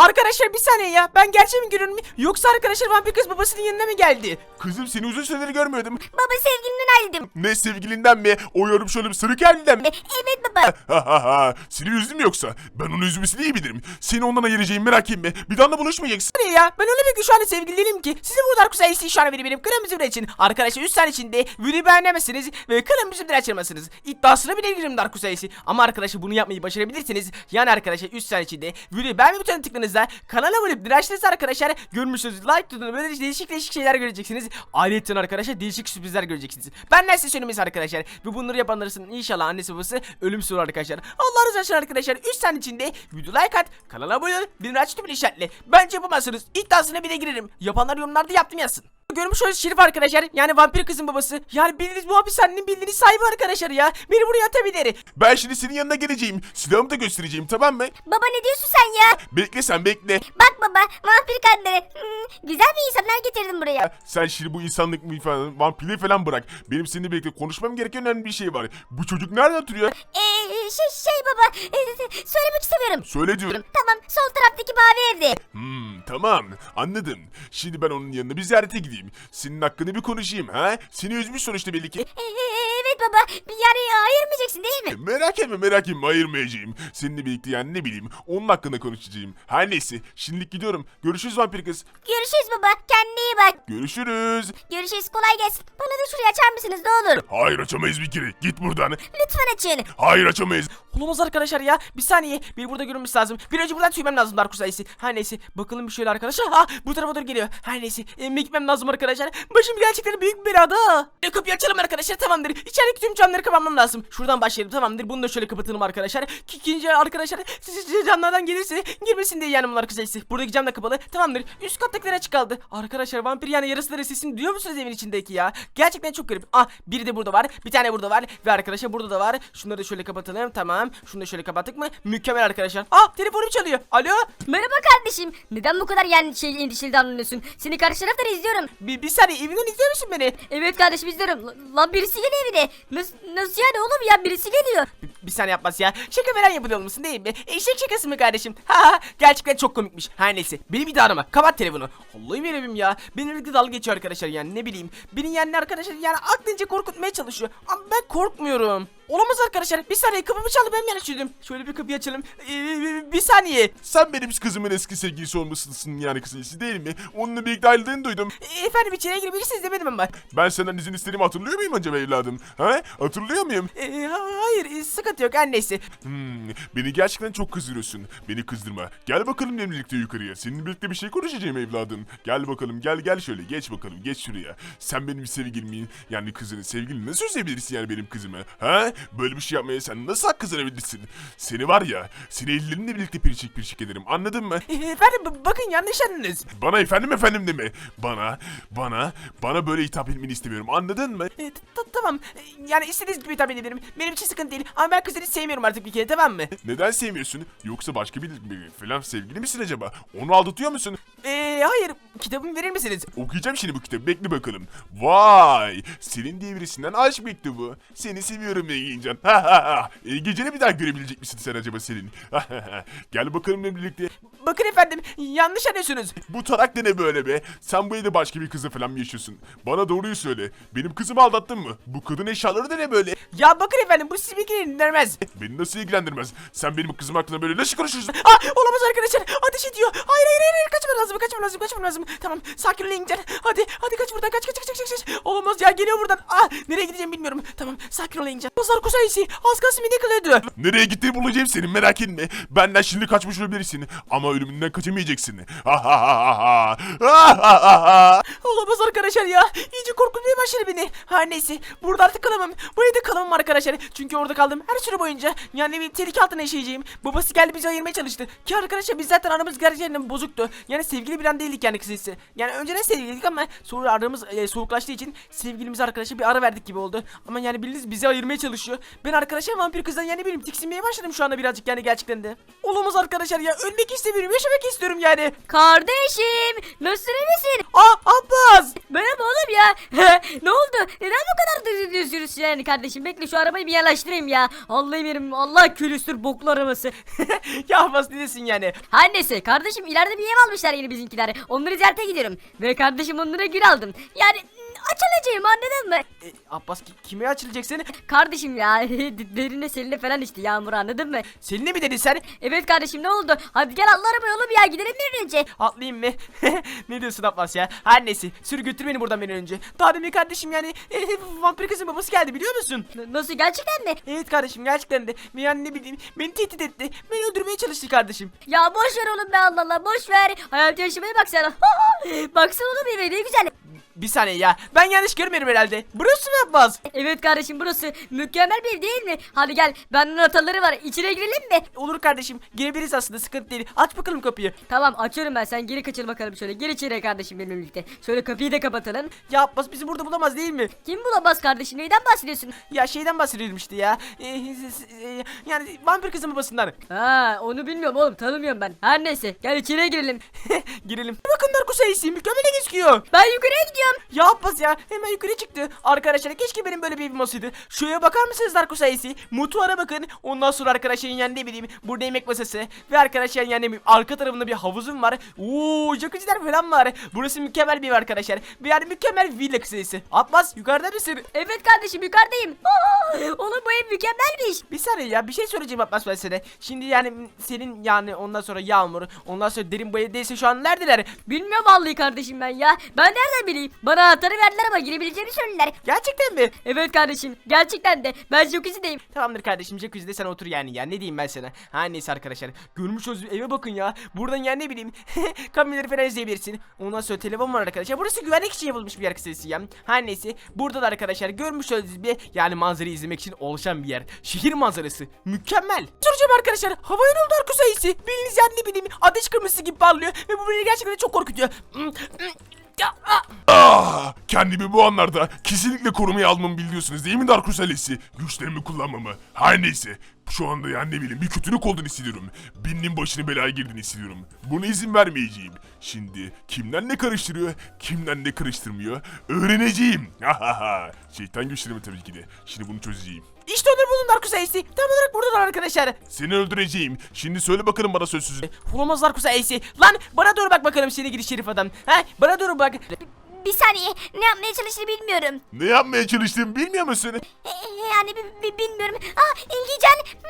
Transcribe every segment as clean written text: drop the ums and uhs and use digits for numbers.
Arkadaşlar bir saniye ya. Ben gerçek mi görüyorum? Yoksa arkadaşlar vampir kız babasının yanına mı geldi? Kızım seni uzun süredir görmüyordum. Baba sevgilimden ayrıldım. Ne sevgilinden mi? O yorum şöyle bir sırık halinden mi? Evet baba. Seni üzdüm yoksa? Ben onu üzmesini iyi bilirim. Seni ondan ayıracağım merak etme. Bir daha da buluşmayacaksın. Ne ya? Ben öyle bir şu anda sevgili değilim ki. Sizin bu kadar güzel şu an benim kırmızı bir için. Arkadaşlar 3 saniye içinde videoyu beğenemezsiniz ve kırmızı bir açılmasınız. İddiasına bile girerim Dark Kusayisi. Ama arkadaşlar bunu yapmayı başarabilirsiniz. Yani arkadaşlar 3 saniye içinde videoyu beğenme butonuna tıkladığınızda kanala abone olup dirençlerinizi arkadaşlar görmüşsünüz. Like tutun böyle değişik şeyler göreceksiniz. Ayrıca arkadaşlar değişik sürprizler göreceksiniz. Benden size söylemesi arkadaşlar. Ve bunları yapanların inşallah annesi babası ölümsüz olur arkadaşlar. Allah razı olsun arkadaşlar. 3 saniye içinde video like at, kanala abone ol, bildirim aç tümünü işaretle. Bence yapamazsınız. İddiasına bile girerim. Yapanlar yorumlarda yaptım yazsın. Görmüş olduğunuz Şerif arkadaşlar, yani vampir kızın babası. Yani bildiğiniz bu hapishanenin bildiğiniz sahibi arkadaşlar ya. Beni buraya atabilir. Ben şimdi senin yanına geleceğim. Silahımı da göstereceğim, tamam mı? Baba ne diyorsun sen ya? Bekle sen bekle. Bak baba vampir kadınları. Güzel bir insanlar getirdim buraya. Sen şimdi bu insanlık mı falan, vampirliği falan bırak. Benim seninle birlikte konuşmam gereken önemli bir şey var. Bu çocuk nerede oturuyor? Şey baba söylemek istemiyorum. Söyle diyorum. Tamam sol taraftaki mavi evde. Tamam anladım. Şimdi ben onun yanına bir ziyarete gideyim. Senin hakkını bir konuşayım ha? Seni üzmüş sonuçta belli ki. Evet baba yani ayırmayacaksın değil mi? Merak etme ayırmayacağım. Seninle birlikte yani ne bileyim onun hakkında konuşacağım. Her neyse şimdilik gidiyorum. Görüşürüz vampir kız. Görüşürüz baba kendine iyi bak. Görüşürüz. Görüşürüz kolay gelsin. Bana da şurayı açar mısınız ne olur? Hayır açamayız bir kere. Git buradan. Lütfen açın. Hayır açamayız. Olamaz arkadaşlar ya. Bir saniye. Bir burada görünmüş lazım. Bir önce buradan tüymem lazım Dark Kusayisi. Her neyse. Bakalım bir şöyle arkadaşlar. Ha bu tarafa doğru geliyor. Her neyse. Gitmem lazım arkadaşlar. Başım gerçekten büyük bir belada. Kapıyı açalım arkadaşlar, tamamdır. İçerideki tüm camları kapatmam lazım. Şuradan başlayalım, tamamdır. Bunu da şöyle kapatalım arkadaşlar. İkinci arkadaşlar camlardan gelirse girmesin diye yani bunlar Kusayisi. Buradaki cam da kapalı. Tamamdır. Üst kattakiler açık kaldı. Arkadaşlar vampir yani yarısıları sesini duyuyor musunuz evin içindeki ya? Gerçekten çok garip. Biri de burada var. Bir tane burada var. Ve arkadaşlar burada da var. Şunları da şöyle kapatalım. Tamam. Şunu da şöyle kapattık mı? Mükemmel arkadaşlar. Telefonum çalıyor. Alo? Merhaba kardeşim. Neden bu kadar yani endişeli davranıyorsun? Seni karşı taraftan izliyorum. Bir saniye, evinden izliyor musun beni? Evet kardeşim izliyorum. Lan birisi geliyor evine. Nasıl yani oğlum ya birisi geliyor. Bir saniye yapmaz ya. Şaka veren yapıyor musun değil mi? Eşek şakası mı kardeşim? Ha gerçekten çok komikmiş. Her neyse. Beni bir daha arama. Kapat telefonu. Allah'ım yarabbim ya. Benimle dalga geçiyor arkadaşlar yani ne bileyim. Beni yani arkadaşlar yani aklınca korkutmaya çalışıyor. Ama ben korkmuyorum. Olamaz arkadaşlar. Bir saniye, kapımı çaldı, ben yanlış duydum. Şöyle bir kapıyı açalım. Bir saniye. Sen benim kızımın eski sevgilisi olmasısın yani kısacası değil mi? Onunla birlikte ayrıldığını duydum. Efendim içeriye girebilirsiniz demedim ama. Ben senden izin istediğimi hatırlıyor muyum acaba evladım? Ha? Hatırlıyor muyum? Hayır, sıkıntı yok, her neyse. Beni gerçekten çok kızdırıyorsun. Beni kızdırma. Gel bakalım benimle birlikte yukarıya. Seninle birlikte bir şey konuşacağım evladım. Gel bakalım, gel şöyle. Geç bakalım, geç şuraya. Sen benim sevgilimin yani kızını sevgilini nasıl üzebilirsin yani benim kızımı? Ha? Böyle bir şey yapmaya sen nasıl hak kazanabilirsin? Seni var ya, seni ellerinle birlikte pirçik ederim. Anladın mı? Efendim bakın yanlış anladınız. Bana efendim deme. Bana böyle hitap etmeni istemiyorum. Anladın mı? Tamam. Yani istediğiniz gibi hitap edebilirim. Benim için sıkıntı değil. Ama ben kızını sevmiyorum artık bir kere, tamam mı? Neden sevmiyorsun? Yoksa başka bir falan sevgili misin acaba? Onu aldatıyor musun? Hayır. Kitabımı verir misiniz? Okuyacağım şimdi bu kitabı. Bekle bakalım. Vay! Selin diye birisinden aşk mektubu. Seni seviyorum Engincan. Geceni bir daha görebilecek misin sen acaba Selin? Gel bakalım benimle birlikte. Bakın efendim, yanlış anlıyorsunuz. Bu tarak da ne böyle be? Sen bu evde başka bir kızla falan mı yaşıyorsun? Bana doğruyu söyle. Benim kızımı aldattın mı? Bu kadın eşyaları da ne böyle? Ya bakın efendim, bu sizi ilgilendirmez. Beni nasıl ilgilendirmez? Sen benim kızım hakkında böyle nasıl konuşuyorsun? Olamaz arkadaşlar, ateş ediyor. Hayır, kaçmam lazım. Tamam, sakin ol İngilizce. Hadi kaç buradan, kaç. Olamaz ya, geliyor buradan. Nereye gideceğim bilmiyorum. Tamam, sakin ol İngilizce. Pazar Kusayisi, az kalsın beni kılıyordu. Nereye gittiğini bulacağım senin, merak etme. Benden şimdi kaçmış olabilirsin ama ölümünden kaçamayacaksın. Olamaz arkadaşlar ya. İyice korkutmaya başladı beni. Her neyse, burada artık kalamam. Bu evde kalamam arkadaşlar. Çünkü orada kaldım her süre boyunca. Yani bir tehlike altına yaşayacağım. Babası geldi bizi ayırmaya çalıştı. Ki arkadaşlar biz zaten aramız gerçekten bozuktu. Yani sevgili bilen değildik yani kısacası. Yani önceden sevgiliydik ama sonra aramız soğuklaştığı için sevgilimize arkadaşlar bir ara verdik gibi oldu. Ama yani bildiğiniz bizi ayırmaya çalışıyor. Ben arkadaşlar vampir kızdan yani benim tiksinmeye başladım şu anda birazcık yani gerçekten de. Olamaz arkadaşlar ya, ölmek istemiyorum. benim yaşamak istiyorum yani. Kardeşim nasılsın, iyi misin? Abbas. Merhaba oğlum ya. Ne oldu? Neden bu kadar üzülüyorsun yani kardeşim? Bekle şu arabayı bir yanaştırayım ya. Allah'ım yerim, Allah külüstür boklu arabası. Ya Abbas ne diyorsun yani? Her neyse kardeşim, ileride bir ev almışlar yeni bizimkiler. Onları ziyarete gidiyorum. Ve kardeşim onlara gül aldım. Yani açılacağım, anladın mı? Abbas kime açılacaksın? Kardeşim ya derine seline falan işte Yağmur, anladın mı? Selin'e mi dedin sen? Evet kardeşim, ne oldu? Hadi gel atla arabaya oğlum ya, gidelim bir an önce. Atlayayım mı? Ne diyorsun Abbas ya? Her neyse sür götür beni buradan bir an önce. Daha demin kardeşim yani vampir kızın babası geldi biliyor musun? Nasıl, gerçekten mi? Evet kardeşim gerçekten de. Yani ne bileyim beni tehdit etti. Beni öldürmeye çalıştı kardeşim. Ya boş ver oğlum be, Allah Allah, boş ver. Hayat yaşamaya bak sen. Baksana oğlum eve, ne güzel. Bir saniye ya. Ben yanlış görmüyorum herhalde. Burası mı Abbas? Evet kardeşim, burası mükemmel bir ev değil mi? Hadi gel, benden anahtarları var, içine girelim mi? Olur kardeşim. Girebiliriz aslında sıkıntı değil. Aç bakalım kapıyı. Tamam, açıyorum ben, sen geri kaçır bakalım şöyle. Gir içeri kardeşim benimle birlikte. Şöyle kapıyı da kapatalım. Ya Abbas bizi burada bulamaz değil mi? Kim bulamaz kardeşim, neyden bahsediyorsun? Ya şeyden bahsediyorum işte ya. Yani vampir kızın babasından. Ha, onu bilmiyorum oğlum, tanımıyorum ben. Her neyse, gel içeriye girelim. Girelim. Bakın Darko sayısı mükemmel gözüküyor. Ben yukarıya gidiyorum. Ya Abbas ya hemen yukarı çıktı. Arkadaşlar keşke benim böyle bir evim olsaydı. Şuraya bakar mısınız Darko sayısı? Mutfağa bakın. Ondan sonra arkadaşlar yani ne bileyim burada yemek masası. Ve arkadaşlar yani ne bileyim arka tarafında bir havuzum var. Ooo jacuzziler falan var. Burası mükemmel bir ev arkadaşlar. Yani mükemmel villa sayısı. Abbas yukarıda mısın? Evet kardeşim, yukarıdayım. Oğlum bu ev mükemmelmiş. Bir saniye ya bir şey söyleyeceğim Abbas ben sana. Şimdi yani senin yani ondan sonra Yağmur ondan sonra Derin bu evdeyse şu an neredeler? Bilmiyorum vallahi kardeşim ben ya. Ben nereden bileyim? Bana anahtarı verdiler ama girebileceğimi söylediler. Gerçekten mi? Evet kardeşim, gerçekten de. Ben jacuzzi'deyim. Tamamdır kardeşim jacuzzi'de sen otur yani ya ne diyeyim ben sana. Her neyse arkadaşlar görmüş olduğunuz eve bakın ya. Buradan yani ne bileyim kameraları falan izleyebilirsin. Ondan sonra telefon var arkadaşlar. Burası güvenlik için yapılmış bir yer kısası ya. Her neyse burada da arkadaşlar görmüş olduğunuz bir yani manzarayı izlemek için oluşan bir yer. Şehir manzarası mükemmel. Soracağım arkadaşlar havaya ne oldu arka sayısı? Bildiğiniz yani ne bileyim ateş kırmızısı gibi parlıyor ve bu beni gerçekten çok korkutuyor. Kendimi bu anlarda kesinlikle korumaya almamı biliyorsunuz değil mi Darkus ailesi? Güçlerimi kullanmamı. Her neyse. Şu anda yani ne bileyim bir kötülük olduğunu hissediyorum. Birinin başına belaya girdiğini hissediyorum. Buna izin vermeyeceğim. Şimdi kimden ne karıştırıyor, kimden ne karıştırmıyor öğreneceğim. Şeytan güçlerimi tabii ki de. Şimdi bunu çözeceğim. İşte onları buldum Darkus Ace. Tam olarak buradalar arkadaşlar. Seni öldüreceğim. Şimdi söyle bakalım bana sözsüzü. Olamaz Darkus Ace. Lan bana doğru bak bakalım seni gidi şerif adam. Ha bana doğru bak. Bir saniye, ne yapmaya çalıştığını bilmiyorum. Ne yapmaya çalıştığımı bilmiyor musun? Yani bilmiyorum. İlgican.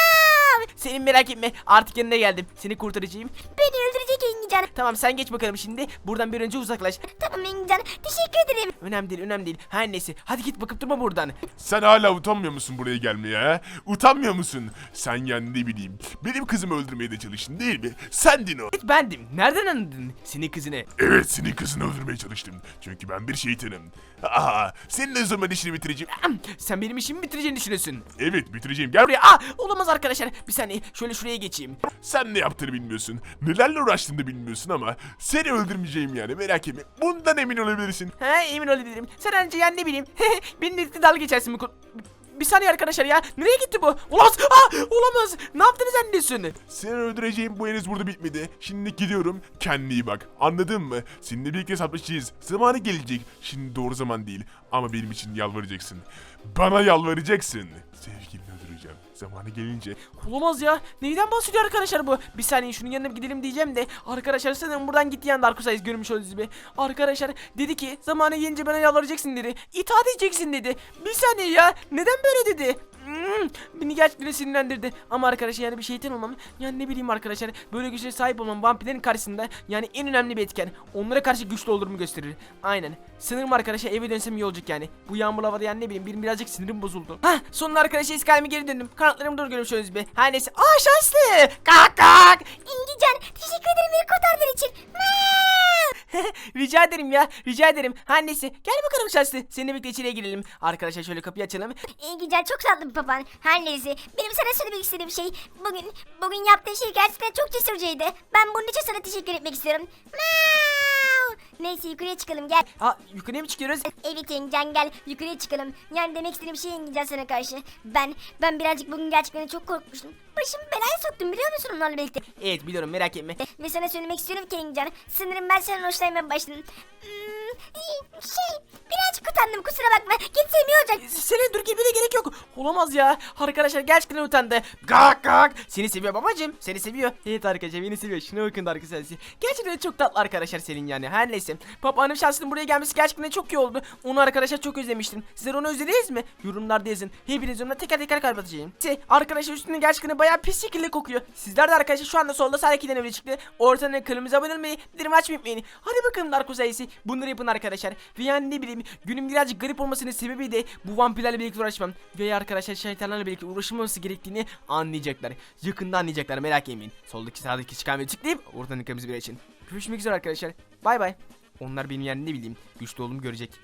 Senin merak etme artık yanına geldim. Seni kurtaracağım. Beni öldürecek İlgican. Tamam sen geç bakalım şimdi. Buradan bir önce uzaklaş. Tamam İlgican, teşekkür ederim. Önemli değil önemli değil. Her neyse hadi git bakıp durma buradan. Sen hala utanmıyor musun buraya gelmeye ha? Utanmıyor musun? Sen yani ne bileyim benim kızımı öldürmeye de çalıştın değil mi? Sendin o. Evet bendim. Nereden anladın senin kızını? Evet senin kızını öldürmeye çalıştım. Çünkü ben bir şeytanım. Senin o zaman işini bitireceğim. Sen benim işimi bitireceğini düşünüyorsun. Evet bitireceğim. Gel buraya. Buraya olamaz arkadaşlar. Bir saniye şöyle şuraya geçeyim. Sen ne yaptığını bilmiyorsun. Nelerle uğraştığını da bilmiyorsun ama seni öldürmeyeceğim yani merak etme. Bundan emin olabilirsin. He emin olabilirim. Sen önce yani ne bileyim. Benimle birlikte dalga geçersin bu bir saniye arkadaşlar ya. Nereye gitti bu? Olamaz. Olamaz. Ne yaptınız zannediyorsun? Seni öldüreceğim bu henüz burada bitmedi. Şimdi gidiyorum. Kendine iyi bak. Anladın mı? Seninle birlikte hesaplaşacağız. Zamanı gelecek. Şimdi doğru zaman değil. Ama benim için yalvaracaksın. Bana yalvaracaksın. Sevgilini öldüreceğim. Zamanı gelince. Olamaz ya. Neyden bahsediyor arkadaşlar bu? Bir saniye şunun yanına gidelim diyeceğim de. Arkadaşlar sanırım buradan gitti yani Dark Souls görmüş olduğunuz gibi. Arkadaşlar dedi ki zamanı gelince bana yalvaracaksın dedi. İtaat edeceksin dedi. Bir saniye ya. Neden böyle dedi? Beni gerçekten sinirlendirdi. Ama arkadaşlar yani bir şeytan olmam. Yani ne bileyim arkadaşlar. Böyle güçlere sahip olmam vampirlerin karşısında yani en önemli bir etken. Onlara karşı güçlü olduğumu gösterir. Aynen. Sanırım arkadaşlar eve dönsem iyi olacak yani. Bu yağmurlu havada yani ne bileyim benim birazcık sinirim bozuldu. Sonunda arkadaşlar eski halime geri döndüm. Kanatlarımı doğru görmüş olduğunuz gibi. Her neyse. Şanslı. Kalk kalk. İlgican, teşekkür ederim beni kurtardığın için. Rica ederim ya. Rica ederim. Her neyse. Gel bakalım şanslı. Seninle birlikte içeriye girelim. Arkadaşlar şöyle kapıyı açalım. İlgican, çok tatlı bir baban. Her neyse, benim sana söylemek istediğim şey bugün yaptığın şey gerçekten çok cesurcaydı. Ben bunun için sana teşekkür etmek istiyorum. Neyse yukarıya çıkalım, gel. Yukarıya mı çıkıyoruz? Evet İlgican, gel yukarıya çıkalım. Yani demek istediğim şey İlgican sana karşı. Ben birazcık bugün gerçekten çok korkmuştum. başımı belaya soktum biliyor musun onlarla birlikte? Evet biliyorum, merak etme. Ve sana söylemek istiyorum ki Engincan, sanırım ben senden hoşlanmaya başladım. Birazcık utandım, kusura bakma. Gitsem iyi olacak. Senin dur gitmene gerek yok. Olamaz ya. Arkadaşlar gerçekten utandı. Gak gak. Seni seviyor babacım. Seni seviyor. Evet arkadaşlar beni seviyor. Şuna bakın arkadaşlar. Gerçekten çok tatlı arkadaşlar senin yani. Her neyse. Papağanım şansının buraya gelmesi gerçekten çok iyi oldu. Onu arkadaşlar çok özlemiştim. Sizler onu özlediniz mi? Yorumlarda yazın. Hepiniz onunla teker teker kalp atacağım. Arkadaşlar üstünde gerçekten bayağı pis şekilde kokuyor. Sizler de arkadaşlar şu anda solda sağ ikiden öyle çıktı. Ortadan kırmızı abone olmayı, bildirim açmayı unutmayın. Hadi bakalım Darko sayısı. Bunları yapın arkadaşlar. Ve yani ne bileyim, günüm birazcık garip olmasının sebebi de bu vampirlerle birlikte uğraşmam. Ve arkadaşlar şeytanlarla birlikte uğraşılmaması gerektiğini anlayacaklar. Yakında anlayacaklar, merak etmeyin. Soldaki sağdaki çıkan tıklayıp oradan kırmızı bir için. Görüşmek üzere arkadaşlar. Bay bay. Onlar benim yani ne bileyim güçlü olduğumu görecek.